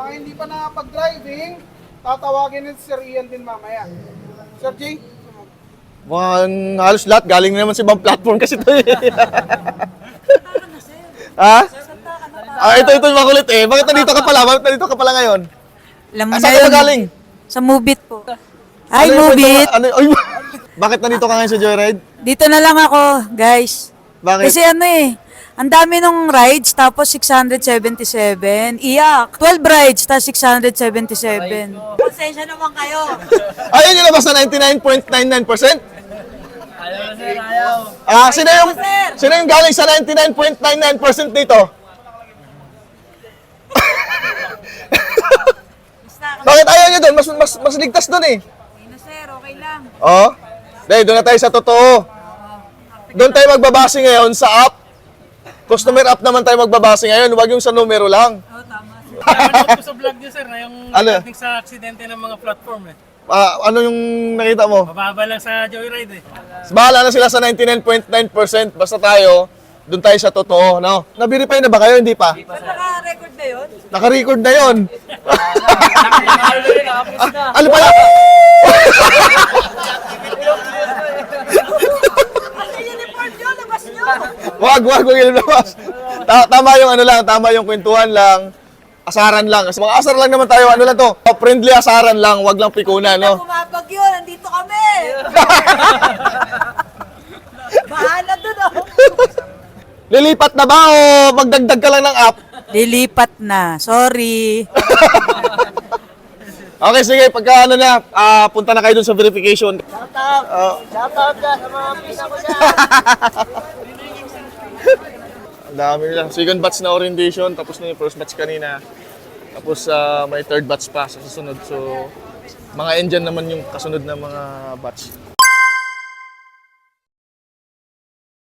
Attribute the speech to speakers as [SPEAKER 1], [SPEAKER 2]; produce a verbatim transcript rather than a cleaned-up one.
[SPEAKER 1] mga hindi pa nakapag-driving, tatawagin ni Sir Ian din mamaya. Sir Jay?
[SPEAKER 2] Mukhang halos lahat. Galing na naman sa ibang platform kasi ito eh. Ha? Ah, ito, ito yung makulit eh. Bakit nandito ka pala? Bakit nandito ka pala ngayon?
[SPEAKER 3] Alam mo
[SPEAKER 2] Ah,
[SPEAKER 3] na
[SPEAKER 2] saan ka
[SPEAKER 3] yun.
[SPEAKER 2] ba galing?
[SPEAKER 3] Sa Mubit po. Ay,
[SPEAKER 2] Ano yung
[SPEAKER 3] Mubit!
[SPEAKER 2] kwento mo? Ano, ay, bakit nandito ka ngayon sa Joyride?
[SPEAKER 3] Dito na lang ako, guys.
[SPEAKER 2] Bakit?
[SPEAKER 3] Kasi ano eh, ang dami nung rides, tapos six hundred seventy-seven. Iyak. twelve rides, tapos six hundred seventy-seven. Pasensya naman kayo.
[SPEAKER 2] Ayun yung labas na ninety-nine point nine nine percent?
[SPEAKER 4] Ayaw na sir, ayaw.
[SPEAKER 2] Ah, sino yung,
[SPEAKER 3] sir.
[SPEAKER 2] sino yung galing sa ninety-nine point nine nine percent dito?
[SPEAKER 3] Basta,
[SPEAKER 2] Bakit ayaw nyo doon? Mas, mas, mas ligtas doon eh.
[SPEAKER 3] okay na sir, okay lang.
[SPEAKER 2] Oh? Dahil doon na tayo sa totoo. Doon tayo magbabase ngayon sa app. Customer app naman tayo magbabase ngayon. Huwag yung sa numero lang.
[SPEAKER 3] Oo, tama sir.
[SPEAKER 4] Napanood ko sa vlog niyo sir na yung
[SPEAKER 2] Ano?
[SPEAKER 4] regarding sa aksidente ng mga platform eh.
[SPEAKER 2] Ah, ano yung nakita mo?
[SPEAKER 4] Mababa lang sa Joyride eh.
[SPEAKER 2] Bahala na sila sa ninety-nine point nine percent. Basta tayo, doon tayo sa totoo. No? Na-verify na ba kayo? Hindi pa?
[SPEAKER 3] Ba't naka-record na yun?
[SPEAKER 2] Naka-record na yon. Ano pala?
[SPEAKER 3] Ano yung report nyo? Labas nyo!
[SPEAKER 2] Wag, wag, wag ilabas. Ta- tama yung ano lang, tama yung kwentuhan lang. Asaran lang. Kasi mga asar lang naman tayo. Ano lang to? Friendly asaran lang, wag lang pikunan, no?
[SPEAKER 3] Kumapag yun, nandito kami! Bahala dun oh!
[SPEAKER 2] Lilipat na ba o magdagdag ka lang ng app?
[SPEAKER 3] Lilipat na, sorry.
[SPEAKER 2] Okay, sige. Pagka ano na, ah, punta na kayo dun sa verification. Oh.
[SPEAKER 1] Shoutout ka sa mga pisa ko dyan.
[SPEAKER 2] Ang dami nila. Second batch na orientation, tapos na yung first batch kanina. Tapos ah, may third batch pa sa susunod. So, mga engine naman yung kasunod na mga batch.